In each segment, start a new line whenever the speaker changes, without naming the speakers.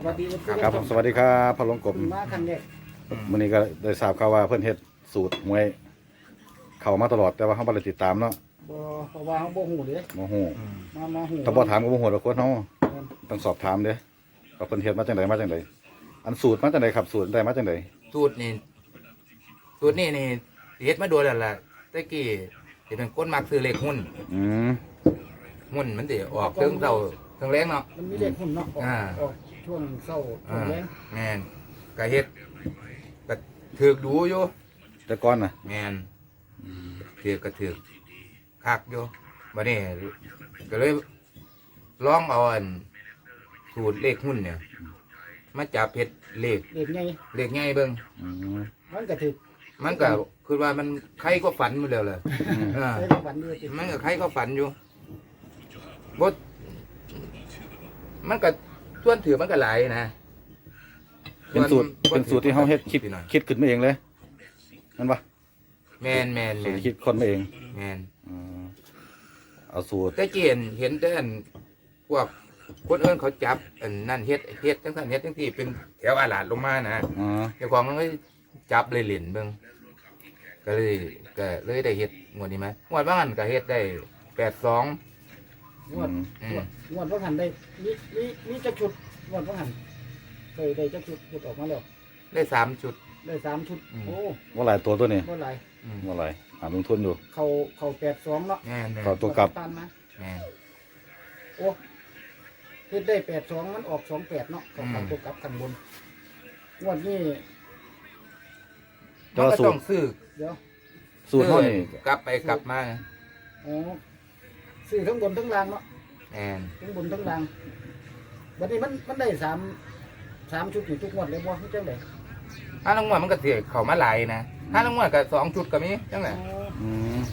สวัสดี
ครับผมสวัสดีครับพอลงกบ
มาครั้งแรก
วันนี้ก็ได้ทราบข่าวว่าเพิ่นเฮ็ดสูตรมวยเข้ามาตลอดแต่ว่าเขาบ่ได้ติดตามเนาะ
บ่เพราะว่าเขาบ่ฮู้เด้
บ่ฮู้
มาฮู้
ถ้าบ่ถามก็บ่ฮู้ดอกคนเฮาต้องสอบถามเด้ว่าเพิ่นเฮ็ดมาจังไดมาจังไดอันสูตรมาจังไดครับสูตรได้มาจังได
สูตรนี่เฮ็ดมาโดนแล้วล่ะตะกี้ที่เป็นคนมักซื้อเลขหุ้น
อืม
หุ้นมันสิออกเทิงเช้าเทิงแรงเนาะ
มันมีเลขหุ้นเนาะออกช่วงเช้าช่วงแลง
แม่นก็เฮ็ดก็ถูกดูอยู่
แต่ก่อนน่ะ
แม่นถูกก็ถูกคักอยู่บัดนี้ก็เลยลองเอาอันสูตรเลขหุ้นเนี่ยมาจับเฮ็ดเลข
เลขใหญ่
เลขง่ายเบิ่ง
อืม
มันก็ถูก
มันก็คือว่ามันใครก็ฝันหมดแล้วเลย
ใช้วันอยู่ติ
มันก็ใครก็ฝันอยู่บดมันก็ส่วนถือมันก็หลายนะ
เป็นสูตรที่เฮาเฮ็ดคิด
หน่อย
คิดขึ้นมาเองเลยนั่นปะ
แมน
สูตรที่คิดคนมาเอง
แมน
อืมเอาสูตร
แต่เกียนเห็นแต่อันพวกคนเอิ้นเขาจับอันนั่นเฮ็ดจังซั่นเฮ็ดจังที่เป็นแถวอาหลาดลงมานะ
อ๋อ
เจ้าของมันก็จับเลยเหรียญเบิ่งก็เลยได้เฮ็ดงวดนี้ไหมงวดว่างันก็เฮ็ดได้82
งวดงวดบ่หันได้มีจักชุดงวดบ่หันเคยได้จักชุดหลุดออกมาแล้ว
ได้3ชุด
ได้3ชุดโอ้
ว่าหลายตัวนี้
บ่หลาย
ว่าหลายหาลงทุนอยู่
เขา82เนาะ
แม่น
ก็ตัวกลับ
ตันมา
แม่น
โอ้เฮ็ดได้82มันออก28เนาะเขาตัวกลับข้างบนงวดนี้
แต่ว่า
มันก็
สู
ต้
ต
อง
ร
ซื้อ
เดี๋ยว
สูตรเฮานี่
กลับไปกลับมา
อ๋อซื้อทั้งบนทั้งล่างเนาะ
แอน
ทั้งบนทั้งล่างบัดนี้มันได้3ชุดอยู่ทุกงวดเลยบ่คือจังได๋
ถ้าลงมามันก็เสียเข้ามาหลายนะถ้าลงมาก็2ชุดก็มีจังได๋
อืม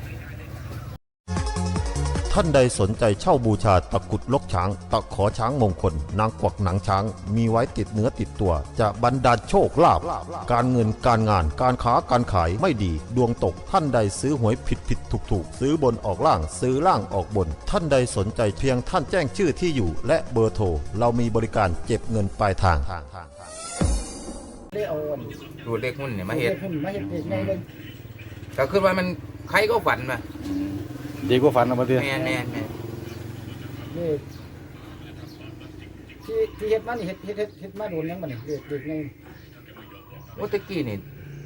ท่านใดสนใจเช่าบูชาตะกรุดลกช้าง ตะขอช้างมงคล นางกวักหนังช้าง มีไว้ติดเนื้อติดตัว จะบรรดาลโชคลาภการเงินการงานการค้าการขายไม่ดี ดวงตกท่านใดซื้อหวยผิดถูกซื้อบนออกล่างซื้อล่างออกบน ท่านใดสนใจเพียงท่านแจ้งชื่อที่อยู่ และเบอร์โทรเรามีบริการเก็บเงินปลายทาง
ได้เอาอัน
ดูเลขหุ้นเนี่ยมาเฮ็ด
มาเฮ็ดเองไงเลย
ก็คือว่ามันใครก็ฝันมา
ดีกว่าฝันเอามาดิ
แม่น
นี่ที่เฮ็ดมานี่เฮ็ดมาโดนยังบัดนี้เด็กไง
ว่าตะกี้นี่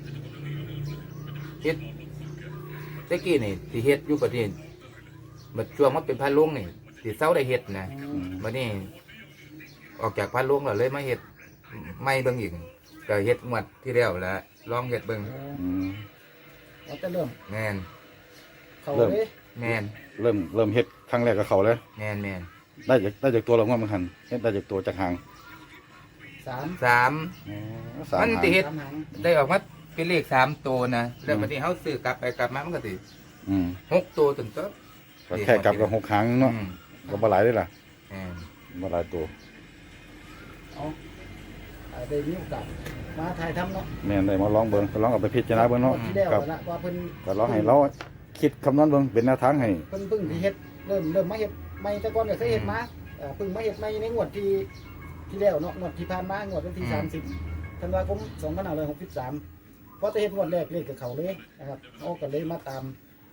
เฮ็ดตะกี้นี่ที่เฮ็ดอยู่ประเทศบัดช่วงมันเป็นพระลงนี่ที่เซาได้เฮ็ดนะบัดนี้ออกจากพระลงแล้วเลยมาเฮ็ดไม่เบิ่งอีกก็เฮ็ดงวดที่แล้วแล้วลองเฮ็ดเบิ่ง
อืม
เอาแต่เริ่ม
แม่น
เขาเลย
แม่น
เริ่มเฮ็ดครั้งแรกกับเขาเลย
แม่น
ได้จากตัวเราว่ามันหันเฮ็ดได้จากตัวจากหาง
3
สาม
สาม
มัน
หาง
ติเฮ็ด
3หาง
ได้ออกมาเป็นเลข3ตัวนะแล้วบัดนี้เฮาซื้อกลับไปกลับมามันก็สิ
อืม
6ตัวถึงตัว
ก็แค่กลับกับ6หางเนาะก็บ่หลายเด้ล่ะ
แม่น
บ่หลายตัว
เอาได้มีโอกาสมาถ่ายทำเนาะ
แม่นได้มาลองเบิ่งลองเอาไปพิจารณาเบิ่งเนาะ
ที่แล้ว
ครับ
ละว่าเพิ่น
ก็ลองให้เราคิดคำนวณเบิ่งเป็นแนวทางให้
เพิ่งที่เฮ็ดเริ่มมาเฮ็ดใหม่แต่ก่อนก็เคยเฮ็ดมาเพิ่งมาเฮ็ดใหม่ในงวดที่แล้วเนาะงวดที่ผ่านมางวดวันที่30ธันวาคม2563พอจะเฮ็ดงวดแรกเลขกับเขาเลยนะครับเอาก็เลยมาตาม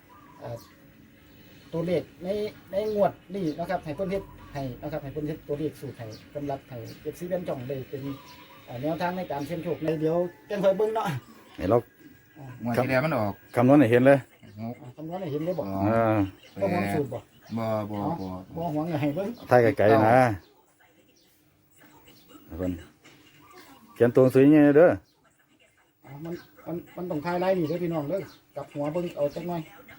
ตัวเลขในงวดนี้นะครับให้เพิ่นเฮ็ดให้นะครับให้เพิ่นเฮ็ดตัวเลขสูตรให้สำหรับให้ FC เป็นจ่องเลยเป็นแนวทางในการเสี่ยงโชคในเดี๋ยวจังค่อยเบิ่งเนาะ
ให้เรา
งวดที่แล้วมันออก
คำนวณให้เห็นเลย
คำนวณให้เห็นได้บ่
อ่า
บ่หวงสูตรบ่
บ่
หวงให้เบิ่ง
ถ่ายไกลๆนะเพิ่นเขียนตัวหนังสือยังไงเด้อ
มันต้องทายลายนี่เด้อพี่น้องเด้อกลับหัวเบิ่งเอาจักหน่อย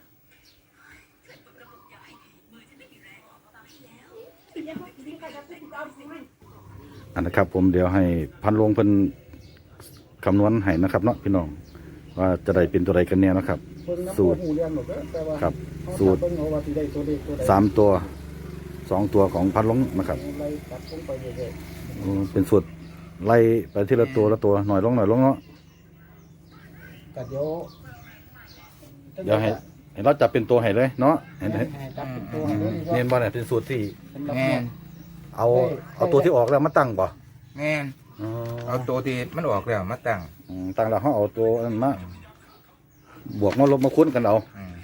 อันนะครับผมเดี๋ยวให้พันลงเพิ่นคำนวณให้นะครับเนาะพี่น้องว่าจะได้เป็นตัวใดกันแน่นะครับ
เบิ่งน้ำ
สูตร
หูเรียนหมดเด้อแต่ว่า
ครับ
เขา
สูตร
เบิ่งเอาว่าสิได้ตัวเลขตัวใด
3ตัว2ตัวของพันลงนะครับ
ไล่ตัดลงไปเรื่อย
เป็นสูตรไล่ไปทีละตัวละตัวหน่อยลงเนาะ
ๆก็เดี๋ยว
เดี๋ยวให้เราจับเป็นตัวให้เลยเนาะเห็น
ให้จับเป็นตัวให้เลย
เน้นบ่เนี่ยเป็นสูตรที่
สำหรับ
แม่น
เอาตัวที่ออกแล้วมาตั้งบ่
แม่น
อ๋อ
เอาตัวที่มันออกแล้วมาตั้ง
ต่างแล้วเขาเอาตัวนั้นมาบวกมาลบมาคูณกันเอา
อืม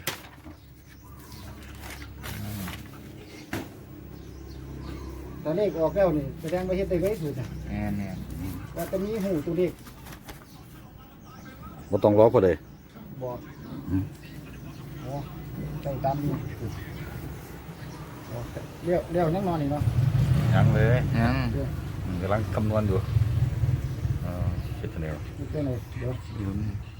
ตัวเลขออกแล้วนี่แสดงว่าเฮ็ดได้ไว้สุดนะ
แม่นแม่น
ว่าจะมีหูตัวเลข
บ่ต้องรอพอดี
บอก
อืม
โอ้ใส่ตามนี้โอ้เลี้ยวนั่งนอนนี่เนาะ
ยังเลย
ยัง
กำลังคำนวณอยู่คิดแนว
นี่ตัวไหนเดี๋ยว
อยู่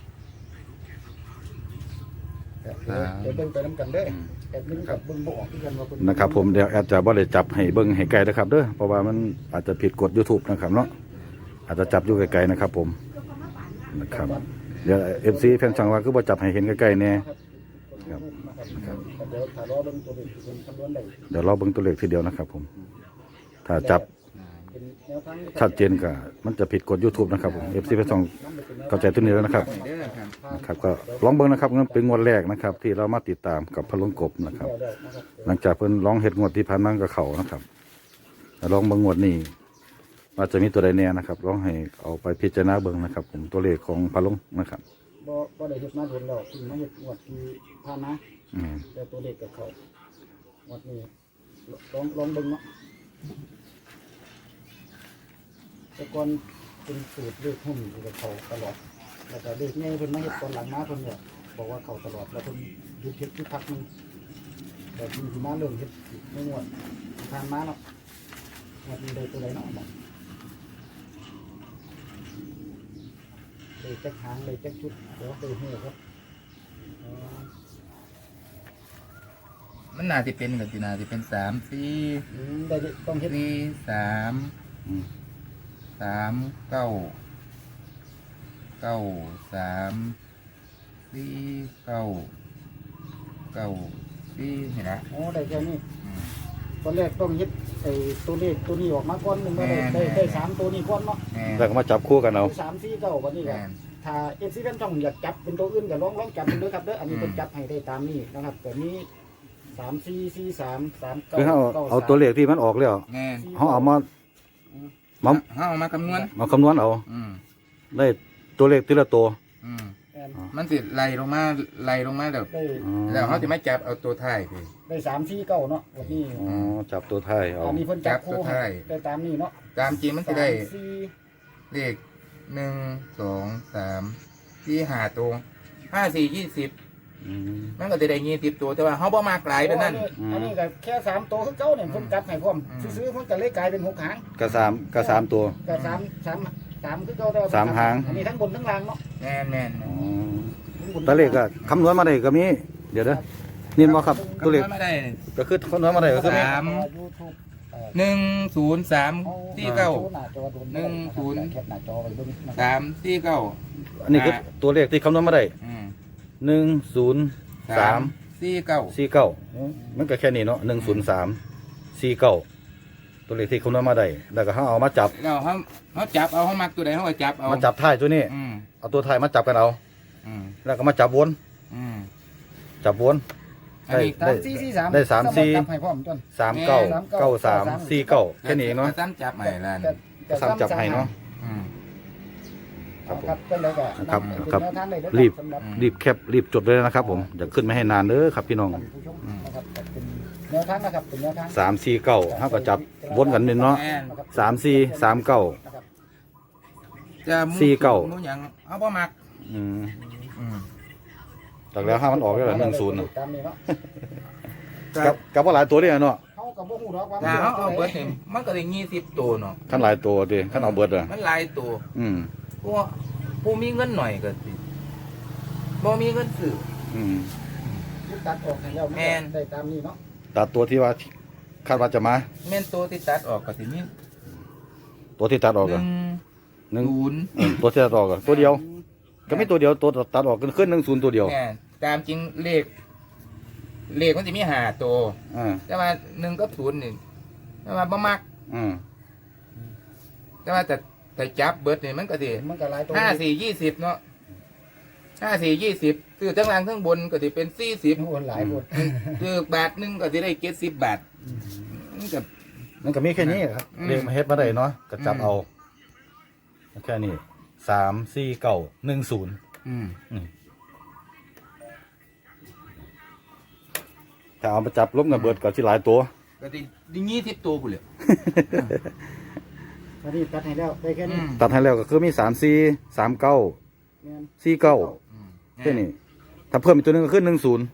เดี๋ยวเบิ่งไปน้ำกันเด้อแอดมินกับเบิ่งบ่ออกคือกันว่าเพิ่
นะครับผมเดี๋ยวแอดจะบ่ได้จับให้เบิ่งให้ไกลนะครับเด้อเพราะว่ามันอาจจะผิดกฎ YouTube นะครับเนาะอาจจะจับอยู่ไกลๆนะครับผมนะครับเดี๋ยว FC แฟนช่องว่าคือบ่จับให้เห็นใกล้ๆแน่
ครับเดี๋ยวถ้ารอเบิ่งตัวเลขที่เป็นคำนวณได้
เดี๋ยวเราเบิ่งตัวเลขทีเดียวนะครับผมถ้าจับ
เป็นแนวทาง
ชัดเจนก็มันจะผิดกฎ YouTube นะครับผม FC แฟนช่องเข้าใจตัวนี้แล้วนะครับ
เด้อครับ
นะครับก็ลองเบิ่งนะครับเป็นงวดแรกนะครับ ที่เรามาติดตามกับพะลงกบนะครับ หลังจากเพิ่นร้องเฮ็ดงวดที่ผ่านมากับเขานะครับแล้วลองเบิ่งงวดนี้ว่าจะมีตัวใดแน่นะครับลองให้เอาไปพิจารณาเบิ่งนะครับ ผมตัวเลขของพะลงนะครับ
บ่ได้เฮ็ดมาโดนแล้วเพิ่งมาเฮ็ดงวดที่ผ่านมา
อืม
แต่ตัวเลขกับเขางวดนี้ลองเบิ่งเนาะแต่ก่อนเป็นสูตรเลขหุ้นอยู่กับเขาตลอดแล้วก็เลขใหญ่เพิ่นมาเฮ็ดตอนหลังมาเพิ่นเนี่ยบอกว่าเขาตลอดแล้วเพิ่นหยุดเฮ็ดที่พักหนึงแต่ทีที่มาเริ่มเฮ็ดในงวดที่ผ่านมาเนาะงวดนี้ได้ตัวใดเนาะบอกเลยจักหางเลยจักชุดเดี๋ยวไปหูครับอ๋อ
มันน่าจะเป็นกับสิน่าจะเป็น3 4
ได้ดิต้องเฮ็ด
4 3
อืม
3 9 9 3 4 9 9 4นี่นะ
โอ้ได้แค่นี้
อืม
ตอนแรกต้องเฮ็ดไอ้ตัวเลขตัวนี้ออกมาก่อนหนึงว่าได้
แม่น
ได้สามตัวนี้ก่อนเนาะ
แม่น
แล้วก็มาจับคู่กันเอา
3 4 9วันนี้ก็
แม่น
ถ้า FC เป็นช่องอยากจับเป็นตัวอื่นก็ลองจับเป็นด้วยครับเด้ออันนี้
อืม
เพิ่นจับให้ได้ตามนี้นะครับแต่นี้3 4 4 3 3 9
คือเขาเอาตัวเลขที่มันออกแล้ว
แม่น
เขาเอามา
เฮาเอามาคำนวณ
มาคำนวณเอา
อืม
ได้ตัวเลขทีละตัว
อืม
ได้
มันสิไล่ลงมาแล้ว
อ๋อ
แล้วเขาจะไม่จับเอาตัวท้ายไป
ได้3 4 9เนาะวันนี้
อ๋อจับตัวท้ายเอา
อันนี้เพิ่นจับคู่
จับตัว
ให้
ท้าย
ได้ตามนี้เนาะ
ตามจริงมันจะได้
3 4
เลข1 2 3 4 5ตัว5 4 20
อืม
มันก็จะได้20ตัวแต่ว่าเขาบ่มากหลายเป็นนั่น
อันนี้ก็แค่3ตัวคือเก่าเนี่ยเพิ่นจับให้พร้อมซื้อๆเพิ่นก็เลยกลายเป็น6หาง
ก็สามตัว
ก็สามคือเก่าแต่ว่
สามหาง
อันนี้ทั้งบนทั้งล่างเนาะ
แม่นแม่น
อ๋อ
ทั้งบน
ตัวเลขก็คำนวณมาได้ก็มีเดี๋ยวนะนี่บ่ครับตัวเลข
คำนวณไม่ได้
ก็คือคำนวณมาได้ก็คือ
สาม
YouTube
1 0 3 4 9
หน้าจอโดน
10
แคปหน้าจอไว้เบิ่งนะครับ
3 4 9
อันนี้คือตัวเลขที่คำนวณมาได้ 1 0 3
4 9
4 9มันก็แค่นี้เนาะ1 0 3 4 9ตัวเลขที่คำนวณมาได้แล้วก็เขาเอามาจับ
แล้วเขาจับเอาเขามักตัวใดเขาก็จับเอา
มาจับท้ายตัวนี้
อืม
เอาตัวท้ายมาจับกันเอา
อืม
แล้วก็มาจับวน
อืม
จับวน
อันนี้
ได้
3 4 4 3
ได้3 4
จับให้พร้อมต้น
3 9 9 3 4 9แค่นี้เนาะ
ซ้ำจับใหม่ละ
ก็ซ้ำจับให้เนาะ
อืม
ครับเป็นแล้วก็
ครับ
เป็น
ครับ
แนวทางเลยเด้อ
รีบ
สำหรับ
รีบแคปรีบจดเลยนะครับผมอย่าขึ้นไม่ให้นานเด้อครับพี่น้อง
ท่านผู้ชมนะครับเป็นแนวทางนะครับเป็นแนวทาง
3 4 9เท่ากับจับวนกันนี่เนาะ
แม่น
3 4 3 9
นะครับ
จะหมู่
สี่เก้า
หมู่หยังเอาบ่มัก
อืม
อืม
จากแล้วห้ามันออกแล้ว1 0
ตามนี้เนาะ
กับว่าหลายตัวเนี่ยเนาะ
เขาก็บ่ฮู้ดอกว่า
ถ้าเขาเอา
เบิ
เบิ
ด
ดนี่มันก็ได้20ตัวเนาะ
ขั้นหลายตัวดิขั้นเอาเบิดอ่ะ
มันหลายตัว
อืม
ผู้มีเงินหน่อยก็สิบ่มีเงินซื้อ
อืม
ตัดออกให้แล้ว
แม่น
ได้ตามนี้เนาะ
ตัดตัวที่ว่าคาดว่าจะมา
แม่นตัวที่ตัดออกก็สิมี
ตัวที่ตัดออกอ่ะ
หนึ่ง
1ตัวที่ตัดออกอ่ะตัวเดียว ก็ไม่ตัวเดียวตัวตัดออกขึ้น1 0ตัวเดียว
แม่นตามจริงเลขมันจะมี5ตัว
อ่า
แต่ว่า1กับ0นี่แต่ว่าบ่มัก
อืม
แต่ว่าแต่จับเบิดนี่มันก็สิ
มันก็หลายตัว
5 4 20เนาะ5 4 20ซื้อทั้งล่างทั้งบนก็สิเป็น40
โอ้หลายหมด
ซื้อบาทหนึงก็สิได้70 บาทมันก็
มันก็มีแค่นี้ครับ
อืม
เรียกมาเฮ็ดมาได้เนาะก็จับเอาแค่นี้34910 ถ้าเอามาจับล้มกันเบิดก็สิหลายตัว
ก็ที่งี้ทิพตัวกูเลย
ตอนนี้ตัดให้แล้วได้แค่นี้
ตัดให้แล้วก็คือมี34 39
แม่น
49แค่นี้ถ้าเพิ่มอีกตัวหนึงก็คือ10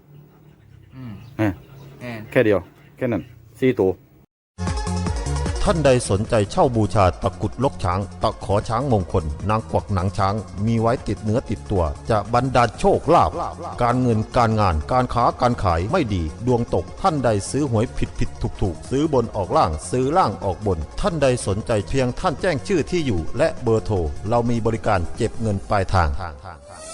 แค่เดียวแค่นั้น4ตัว
ท่านใดสนใจเช่าบูชาตะกรุดลกช้าง ตะขอช้างมงคล นางกวักหนังช้าง มีไว้ติดเนื้อติดตัว จะบรรดาลโชคลาภการเงินการงานการค้าการขายไม่ดี ดวงตกท่านใดซื้อหวยผิดถูกซื้อบนออกล่างซื้อล่างออกบน ท่านใดสนใจเพียงท่านแจ้งชื่อที่อยู่ และเบอร์โทรเรามีบริการเก็บเงินปลายทาง